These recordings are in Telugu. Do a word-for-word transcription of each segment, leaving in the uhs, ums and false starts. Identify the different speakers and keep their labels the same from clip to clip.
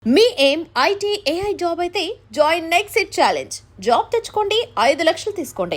Speaker 1: మీ ఏం ఐటీ ఏఐ జాబ్ అయితే join next it challenge. Job తెచ్చుకోండి, ఐదు లక్షలు తీసుకోండి.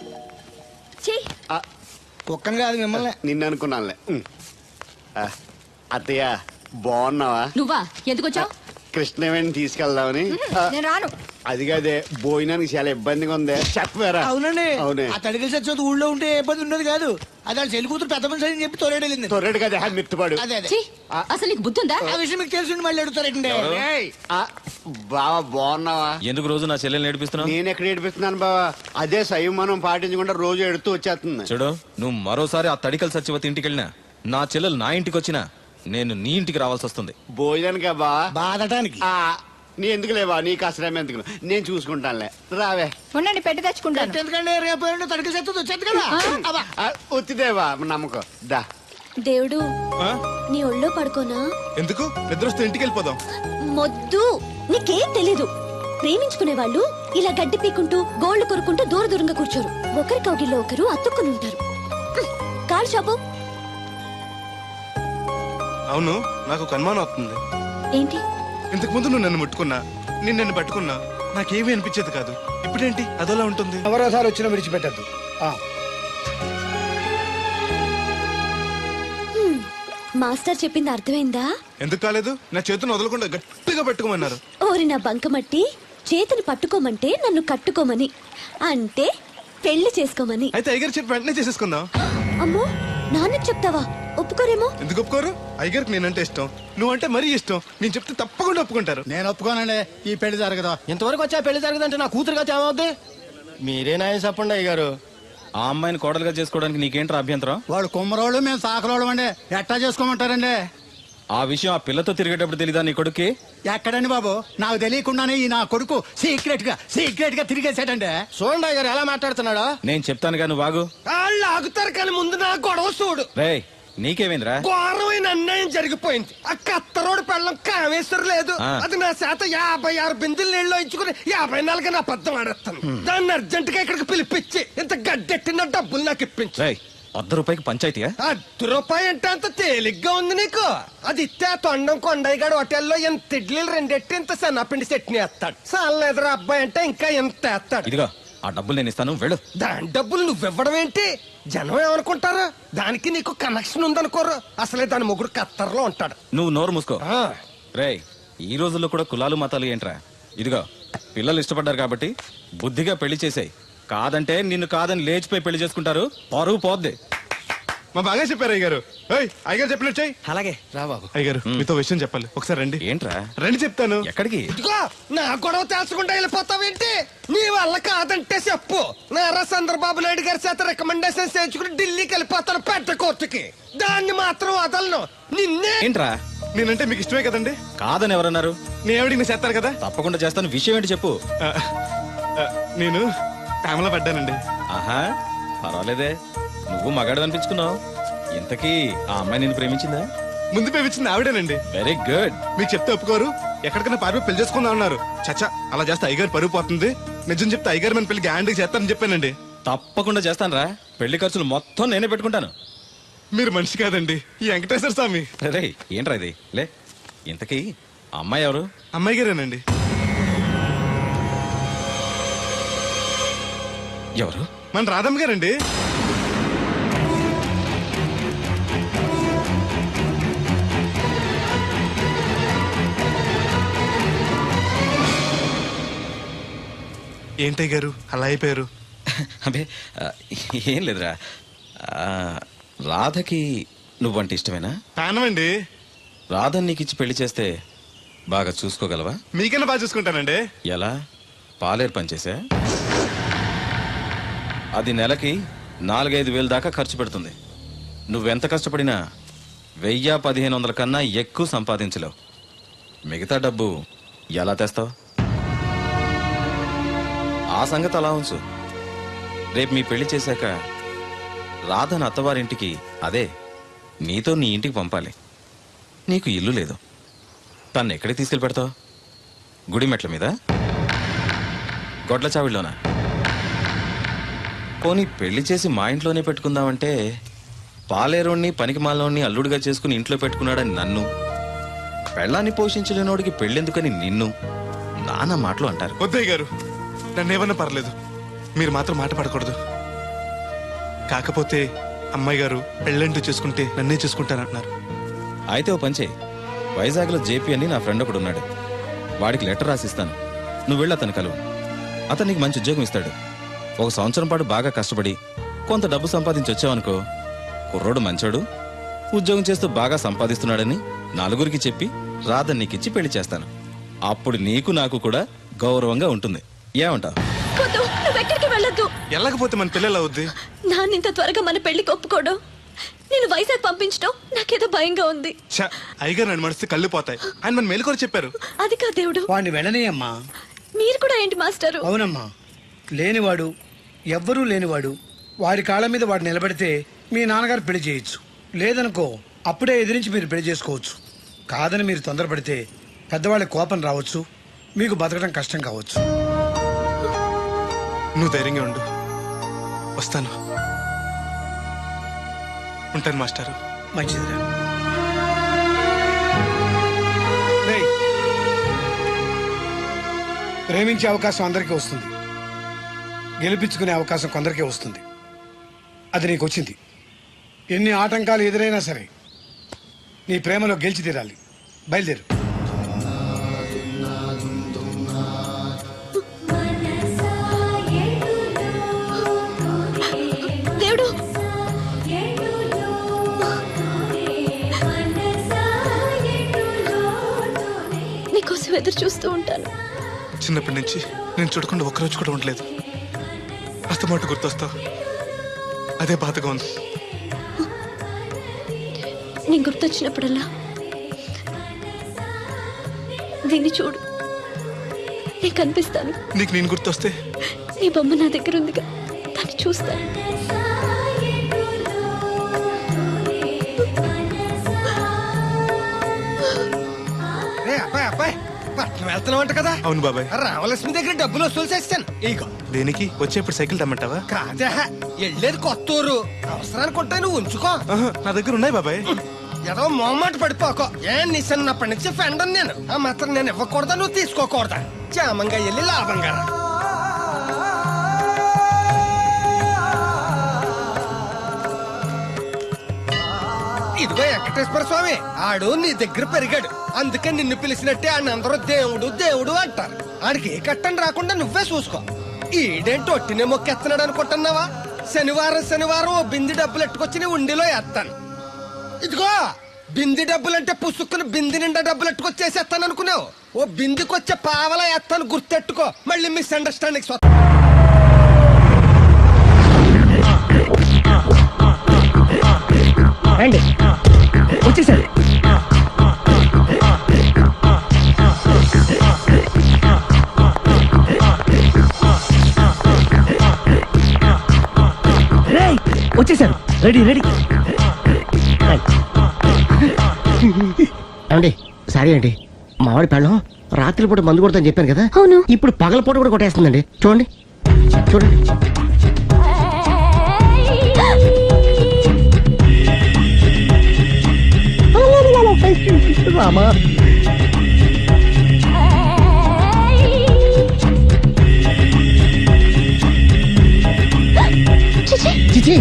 Speaker 2: ఒక్కని కాదు మిమ్మల్ని
Speaker 3: నిన్ను అనుకున్నానులే. అత్తయ్య బాగున్నావా?
Speaker 4: నువ్వా ఎందుకు వచ్చావు?
Speaker 3: కృష్ణవేణి తీసుకెళ్దామని.
Speaker 4: నేను రాను.
Speaker 3: అది కాదే, భోజనానికి చాలా ఇబ్బందిగా ఉంది. చెప్పారా?
Speaker 2: అవునండి.
Speaker 3: అవునే.
Speaker 2: ఆ తడికి చచ్చేది ఊళ్ళో ఉంటే ఏ ఇబ్బంది ఉండదు కాదు. అది వాళ్ళ చెల్లి కూతురు పెద్ద మనిషి అని చెప్పి తోలేడెళ్ళింది.
Speaker 3: తొర్రెడు కదా మిత్తుపాడు.
Speaker 2: అదే అదే
Speaker 4: ఛీ, అసలు నీకు బుద్ధి ఉందా?
Speaker 2: ఆ విషయం మీకు తెలిసి మళ్ళీ అడుగుతారండి.
Speaker 3: ఏయ్, ఆ, బావా బాగున్నావా?
Speaker 5: ఎందుకు రోజు నా చెల్లెల్ని ఏడిపిస్తున్నావు?
Speaker 3: నేను ఎక్కడ ఏడిపిస్తున్నాను బావా? అదే సంయమనం పాటించకుండా రోజు ఎడుతూ వచ్చేస్తుంది.
Speaker 5: చూడు, నువ్వు మరోసారి ఆ తడికల సత్యవతి ఇంటికి వెళ్ళినా, నా చెల్లెలు నా ఇంటికి వచ్చినా నేను నీ ఇంటికి రావాల్సి వస్తుంది.
Speaker 3: భోజనానికా బావా?
Speaker 2: బాధటానికి
Speaker 3: ఆ, నీ ఎందుకు లేవా? నీకు అసలు ఎందుకు, నేను చూసుకుంటానులే. రావే.
Speaker 4: ఉండండి, పెట్టి తెచ్చుకుంటాను.
Speaker 2: ఎందుకంటే రేపు తడికి చచ్చేది వచ్చేది కదా. అబ్బా.
Speaker 3: ఆ, వచ్చిదేవా నమ్మకం. దా.
Speaker 6: దేవుడు నీ ఒళ్ళో పడుకోనా?
Speaker 7: ఎందుకు? నిద్రొస్తే ఇంటికి వెళ్ళిపోదాం.
Speaker 6: మొద్దు, నీకేం తెలీదు. ప్రేమించుకునే వాళ్ళు ఇలా గడ్డి పీకుంటూ గోళ్లు కొరుకుంటూ దూర దూరంగా కూర్చోరు. ఒకరి కౌగిల్లో ఒకరు అతుక్కుని ఉంటారు. కాలు షాపు.
Speaker 7: అవును, నాకు ఒక అనుమానం అవుతుంది.
Speaker 6: ఏంటి?
Speaker 7: ఇంతకు ముందు నువ్వు నన్ను ముట్టుకున్నా, నేను నన్ను పట్టుకున్నా, నాకేమీ అనిపించేది కాదు. ఇప్పుడేంటి అదోలా ఉంటుంది?
Speaker 2: ఎవరోసారి వచ్చినా విడిచిపెట్టద్దు.
Speaker 6: హ్మ్, మాస్టర్ చెప్పింది అర్థమైందా?
Speaker 7: ఎందుకు కాలేదు? నా చేతిని వదలకుండా గట్టిగా పట్టుకోమన్నారు.
Speaker 6: ఓరి నా బంకమట్టి, చేతిని పట్టుకోమంటే నన్ను కట్టుకోమని, అంటే పెళ్లి చేసుకోమని.
Speaker 7: అయితే అయ్యగారు చెప్పి వెంటనే చేసేసుకుందాం.
Speaker 6: అమ్మో, నాన్నకి చెప్తావా? ఒప్పుకోరేమో.
Speaker 7: ఎందుకు ఒప్పుకోరు? అయ్యగారికి నేనంటే ఇష్టం, నువ్వంటే మరీ ఇష్టం. నేను చెప్తే తప్పకుండా ఒప్పుకుంటారు.
Speaker 2: నేను ఒప్పుకోనండి, ఈ పెళ్లి జరగదు.
Speaker 8: ఇంతవరకు వచ్చా పెళ్లి జరగదంటే నా కూతురుగా ఏమవుద్ది? మీరే నాయం చెప్పండి అయ్యగారు.
Speaker 5: ఆ అమ్మాయిని కోడలుగా చేసుకోవడానికి నీకేంట్రా అభ్యంతరం?
Speaker 2: వాళ్ళు కుమ్మరోళ్ళు, మేము సాకరోళ్ళం అండి. ఎట్టా చేసుకోమంటారండి?
Speaker 5: ఆ విషయం ఆ పిల్లతో తిరిగేటప్పుడు తెలీదా నీ కొడుక్కి?
Speaker 2: ఎక్కడండి బాబు, నాకు తెలియకుండానే ఈ నా కొడుకు సీక్రెట్ గా సీక్రెట్ గా తిరిగేసాడండి.
Speaker 8: చూడండి అయ్యగారు ఎలా మాట్లాడుతున్నాడా.
Speaker 5: నేను చెప్తానుగా, నువ్వు బాగు.
Speaker 8: వాళ్ళు ఆగుతారు కానీ ముందు నా గొడవ చూడు.
Speaker 5: రేయ్, నీకేమైందిరా?
Speaker 8: ఘోరమైన అన్యాయం జరిగిపోయింది. ఆ కత్తరోడు పెళ్ళం కామేశ్వరు లేదు.
Speaker 5: ఆ.
Speaker 8: అది నా చేత యాభై ఆరు బిందులు నీళ్ళు ఇచ్చుకుని యాభై నాలుగు నా పద్దం ఆడేస్తాను. దాన్ని అర్జెంట్ గా ఇక్కడికి పిలిపించి ఇంత గడ్డెట్టిన డబ్బులు నాకు ఇప్పించు.
Speaker 5: రేయ్, వద్ద రూపాయికి పంచాయతీయా?
Speaker 8: అర్ధ రూపాయి అంటే అంత తేలిగ్గా ఉంది నీకు? అది ఇస్తే ఆ తొండం కొండయ్యగాడు హోటల్లో ఎంత ఇడ్లీలు రెండెట్టి ఇంత సన్నపిండి చట్నీ వేస్తాడు. చాలా ఎదురు అబ్బాయి అంటే ఇంకా ఎంత వేస్తాడు.
Speaker 5: ఇదిగో, ఆ డబ్బులు నేను ఇస్తాను, వెళ్ళు.
Speaker 8: దాని డబ్బులు నువ్వివ్వడం ఏంటి? జనం ఏమనుకుంటారు? దానికి నీకు కనెక్షన్ ఉందనుకోరు. అసలే దాని మొగుడు కత్తర్లో ఉంటాడు.
Speaker 5: నువ్వు నోరు మూసుకో.
Speaker 8: ఆ.
Speaker 5: రేయ్, ఈ రోజుల్లో కూడా కులాలు మతాలు ఏంట్రా? ఇదిగో, పిల్లలు ఇష్టపడ్డారు కాబట్టి బుద్ధిగా పెళ్లి చేసాయి. కాదంటే నిన్ను కాదని లేచిపోయి పెళ్లి చేసుకుంటారు, పరువు పోద్ది.
Speaker 7: మా బాగా చెప్పారు అయ్యగారు. ఏయ్, అయ్యగారు చెప్పినట్టు చెయ్యి.
Speaker 8: అలాగే రా బాబు.
Speaker 7: అయ్యగారు, మీతో విషయం చెప్పాలి, ఒకసారి రండి.
Speaker 5: ఏంట్రా?
Speaker 7: రండి చెప్తాను.
Speaker 5: ఎక్కడికి?
Speaker 8: ఇదిగో, నా గొడవ తెలుసుకుంటా వెళ్ళిపోతావేంటి? నీ వల్ల కాదంటే చెప్పు. నారా చంద్రబాబు నాయుడు గారి చేత రికమెండేషన్ చేయించుకుని ఢిల్లీకి వెళ్ళిపోతాను పెద్ద కోర్టుకి. దాన్ని మాత్రం వదలను. నిన్నే.
Speaker 5: ఏంట్రా?
Speaker 7: నేనంటే మీకు ఇష్టమే కదండి.
Speaker 5: కాదని ఎవరన్నారు?
Speaker 7: నేను ఎవడికి నేను చేస్తారు కదా.
Speaker 5: తప్పకుండా చేస్తాను. విషయం ఏంటి చెప్పు.
Speaker 7: ఆ, ఆ, నేను ప్రేమలో పడ్డానండి.
Speaker 5: ఆహా, పర్వాలేదే, నువ్వు మగాడు అనిపించుకున్నావు. ఇంతకీ ఆ అమ్మాయి నిన్ను ప్రేమించిందా?
Speaker 7: ముందు పేపించింది ఆవిడేనండి.
Speaker 5: Very good.
Speaker 7: మీకు చెప్తే ఒప్పుకోరు. ఎక్కడికైనా పారిపోయి పెళ్లి చేసుకుందాం అన్నారు. చచ్చా, అలా చేస్తే అయ్యగారు పరుగు పోతుంది. నిజం చెప్తే అయ్యగారు మన పెళ్లి గ్యాండ్కి చేస్తారని చెప్పానండి.
Speaker 5: తప్పకుండా చేస్తాను రా. పెళ్లి ఖర్చులు మొత్తం నేనే పెట్టుకుంటాను.
Speaker 7: మీరు మనిషి కాదండి, ఈ వెంకటేశ్వర స్వామి.
Speaker 5: రే, ఏంట్రా ఇది? లే, ఇంతకీ ఆ అమ్మాయి ఎవరు?
Speaker 7: అమ్మాయి గారేనండి.
Speaker 5: ఎవరు?
Speaker 7: మన రాధమ్మ గారండి. ఏంటయ్య గారు అలా అయిపోయారు?
Speaker 5: అబే, ఆ, ఏం లేదురా. ఆ, రాధకి నువ్వంటే ఇష్టమేనా?
Speaker 7: ప్రాణమండి.
Speaker 5: రాధని నీకు ఇచ్చి పెళ్లి చేస్తే బాగా చూసుకోగలవా?
Speaker 7: మీకన్నా బాగా చూసుకుంటానండి.
Speaker 5: ఎలా? పాలేరు పనిచేసా? అది నెలకి నాలుగైదు వేలు దాకా ఖర్చు పెడుతుంది. నువ్వెంత కష్టపడినా వెయ్యి పదిహేను వందల కన్నా ఎక్కువ సంపాదించలేవు. మిగతా డబ్బు ఎలా తెస్తావు? ఆ సంగతి అలా ఉంచు. రేపు మీ పెళ్లి చేశాక రాధను అత్తవారింటికి, అదే నీతో నీ ఇంటికి పంపాలి. నీకు ఇల్లు లేదు. తను ఎక్కడికి తీసుకెళ్ళి పెడతావు? గుడి మెట్ల మీద? గొడ్ల చావిడిలోనా? పోనీ పెళ్లి చేసి మా ఇంట్లోనే పెట్టుకుందామంటే పాలేరోణ్ణి పనికి మాలోని అల్లుడిగా చేసుకుని ఇంట్లో పెట్టుకున్నాడని నన్ను, పెళ్ళాన్ని పోషించలేనోడికి పెళ్ళెందుకని నిన్ను నానా మాటలు అంటారు.
Speaker 7: వద్దయ్య గారు, నన్ను ఏమన్నా పర్లేదు, మీరు మాత్రం మాట పడకూడదు. కాకపోతే అమ్మాయి గారు పెళ్ళంటూ చేసుకుంటే నన్నే చేసుకుంటానంటున్నారు.
Speaker 5: అయితే ఓ పంచే, వైజాగ్లో జేపీ అని నా ఫ్రెండ్ ఒకడు ఉన్నాడు. వాడికి లెటర్ రాసిస్తాను, నువ్వు వెళ్ళి అతను కలువు. అతను నీకు మంచి ఉద్యోగం ఇస్తాడు. ఒక సంవత్సరం పాటు బాగా కష్టపడి కొంత డబ్బు సంపాదించి వచ్చావనుకో, కుర్రోడు మంచోడు, ఉద్యోగం చేస్తూ బాగా సంపాదిస్తున్నాడని నలుగురికి చెప్పి రాధని నీకిచ్చి పెళ్లి చేస్తాను. అప్పుడు నీకు నాకు కూడా గౌరవంగా ఉంటుంది. ఏమంటావు?
Speaker 6: వద్దు, నువ్వెక్కడికి వెళ్ళొద్దు.
Speaker 7: వెళ్ళకపోతే మన పిల్లలు అవుద్ది.
Speaker 6: నాన్న ఇంత త్వరగా మన పెళ్లికి ఒప్పుకోవడం, నేను వైజాగ్ పంపించడం నాకేదో భయంగా ఉంది.
Speaker 7: ఛ, అయ్యగారు నన్ను మడిస్తే కళ్ళు పోతాయి. ఆయన మన మేలుకొని చెప్పారు.
Speaker 6: అది కా దేవుడు.
Speaker 2: వాడిని వెళ్ళనీయమ్మా.
Speaker 6: మీరు కూడా ఏంటి మాస్టరు?
Speaker 2: అవునమ్మా, లేనివాడు, ఎవ్వరూ లేనివాడు, వాడి కాళ్ళ మీద వాడు నిలబడితే మీ నాన్నగారు పెళ్లి చేయొచ్చు. లేదనుకో అప్పుడే ఎదిరించి మీరు పెళ్లి చేసుకోవచ్చు. కాదని మీరు తొందరపడితే పెద్దవాళ్ళ కోపం రావచ్చు, మీకు బతకడం కష్టం కావచ్చు.
Speaker 7: నువ్వు ధైర్యంగా ఉండు, వస్తాను. ఉంటాను మాస్టారు.
Speaker 2: మంచిదిరా. రేయ్, ప్రేమించే అవకాశం అందరికీ వస్తుంది, గెలిపించుకునే అవకాశం కొందరికే వస్తుంది. అది నీకు వచ్చింది. ఎన్ని ఆటంకాలు ఎదురైనా సరే నీ ప్రేమలో గెలిచి తీరాలి. బయలుదేరు.
Speaker 6: దేవుడు, నీకోసం ఎదురు చూస్తూ ఉంటాను.
Speaker 7: చిన్నప్పటి నుంచి నేను చూడకుండా ఒక్కరోజు కూడా ఉండలేదు. అస్తమాట గుర్తొస్తావు, అదే బాధగా ఉంది.
Speaker 6: నేను గుర్తొచ్చినప్పుడల్లా దీన్ని చూడు, నేను కనిపిస్తాను.
Speaker 7: నీకు నేను గుర్తొస్తే
Speaker 6: నీ బొమ్మ నా దగ్గర ఉందిగా, దాన్ని చూస్తాను.
Speaker 8: రే అబ్బాయి అబ్బాయి, పట్నం వెళ్తున్నావంట కదా?
Speaker 7: అవును బాబాయ్.
Speaker 8: రామలక్ష్మి దగ్గర డబ్బులు వసూలు చేస్తాను. ఇగో.
Speaker 7: దేనికి? వచ్చేప్పుడు సైకిల్ తెమ్మంటావా?
Speaker 8: కాదా, వెళ్ళేది కొత్త ఊరు, అవసరానికి ఉంటాయి, నువ్వు ఉంచుకో.
Speaker 7: ఆహా, నా దగ్గర ఉన్నాయి బాబాయ్.
Speaker 8: ఏదో మొహమాట పడిపోకో. ఏ నిన్నప్పటి నుంచి ఫ్రెండ్ నేను, ఆ మాత్రం నేను ఇవ్వకూడదా, నువ్వు తీసుకోకూడదా? క్షేమంగా వెళ్ళి లాభంగా రా. ఇదిగో వెంకటేశ్వర స్వామి, ఆడు నీ దగ్గర పెరిగాడు, అందుకే నిన్ను పిలిచినట్టే ఆయన అందరూ దేవుడు దేవుడు అంటారు. ఆడికి ఏ కట్టం రాకుండా నువ్వే చూసుకో. ఈడేంటి ఒట్టినే మొక్కెత్తనాడు అనుకుంటున్నావా? శనివారం శనివారం ఓ బింది డబ్బులు ఎట్టుకొచ్చి నీ ఉండిలో వేస్తాను. ఇదిగో బింది డబ్బులంటే పుసుక్కుని బింది నిండా డబ్బులు ఎట్టుకొచ్చేసేస్తాను అనుకున్నావు. ఓ బిందికొచ్చే పావలా వేస్తాను, గుర్తెట్టుకో. మళ్ళీ మిస్అండర్స్టాండింగ్
Speaker 9: రండి, వచ్చేసారు. రేయ్, వచ్చేసారు. Ready ready.
Speaker 10: ఏమండి, సారీ అండి, మామిడి పెళ్ళం రాత్రిపూట మందు కొడతాను చెప్పాను కదా.
Speaker 6: అవును.
Speaker 10: ఇప్పుడు పగలపూట కూడా కొట్టేస్తుందండి. చూడండి చూడండి. రామా, చిచి.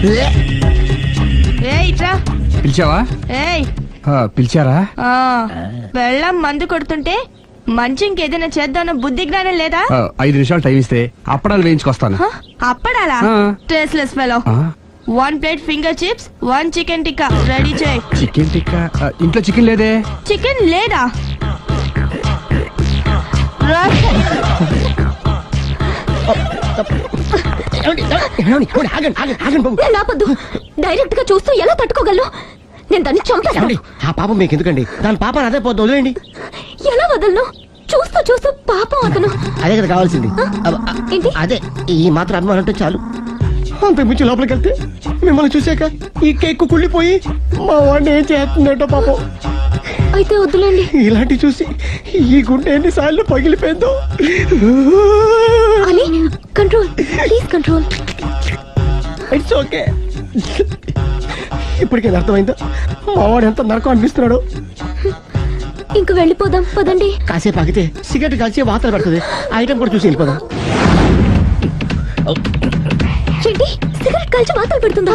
Speaker 9: పిలిచావా?
Speaker 11: ఏయ్,
Speaker 9: ఆ, పిలిచారా?
Speaker 11: ఆ, వెళ్ళం మందు కొడుతుంటే మంచి ఇంకేదైనా చేద్దామన్న బుద్ధి జ్ఞానం లేదా?
Speaker 9: ఆ, ఐదు నిమిషాలు టైం ఇస్తే అప్పడాలు వేయించుకొస్తాను.
Speaker 11: హ? అప్పడాలా?
Speaker 9: ఆ.
Speaker 11: Tasteless fellow.
Speaker 9: ఆ,
Speaker 11: one plate finger chips, one chicken tikka ready చేయి.
Speaker 9: చికెన్ టిక్కా? ఆ, ఇంట్లో చికెన్ లేదే.
Speaker 11: చికెన్ లేదా? రా.
Speaker 10: ఏమండి, ఏమండి, ఏమండి, ఆగండి ఆగండి ఆగండి బాబు.
Speaker 6: నేను ఆపొద్దు. డైరెక్ట్ గా చూస్తూ ఎలా తట్టుకోగలను? నేను దాన్ని చంపేస్తాను.
Speaker 10: ఏమండి, ఆ పాపం మీకు ఎందుకండి? దాని పాప అదే పోతుంది, వదిలేయండి.
Speaker 6: ఎలా వదలను? చూస్తూ చూస్తూ పాపం అతను.
Speaker 10: అదే కదా కావాల్సింది. అబ్బ, అ-
Speaker 6: ఏంటి?
Speaker 10: అదే ఈ మాత్రం అభిమానం అంటే చాలు. అంతకు మించి లోపలికి వెళ్తే మిమ్మల్ని చూసాక ఈ కేక్ కుళ్ళిపోయి మా వాడిని ఏం చేస్తుందంటో పాపం.
Speaker 6: అయితే వద్దులేండి.
Speaker 10: ఇలాంటి చూసి ఈ గుండె ఎన్నిసార్లు పగిలిపోయిందో.
Speaker 6: అని control, please control.
Speaker 10: It's okay. ఇప్పటికే అర్థమైందా మా వాడు ఎంత నరకం అనిపిస్తున్నాడు?
Speaker 6: ఇంక వెళ్ళిపోదాం పదండి.
Speaker 10: కాసేపు ఆగితే సిగరెట్ కాల్చి వాతలు పెడుతుంది. ఆ ఐటమ్ కూడా చూసి వెళ్ళిపోదాం.
Speaker 6: ఏంటి సిగరెట్ కాల్చి వాతలు పెడుతుందా?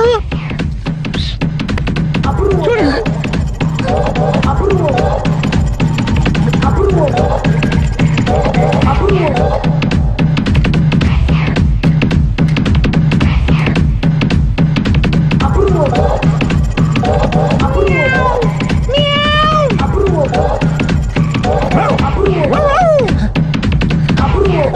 Speaker 10: చూడండి.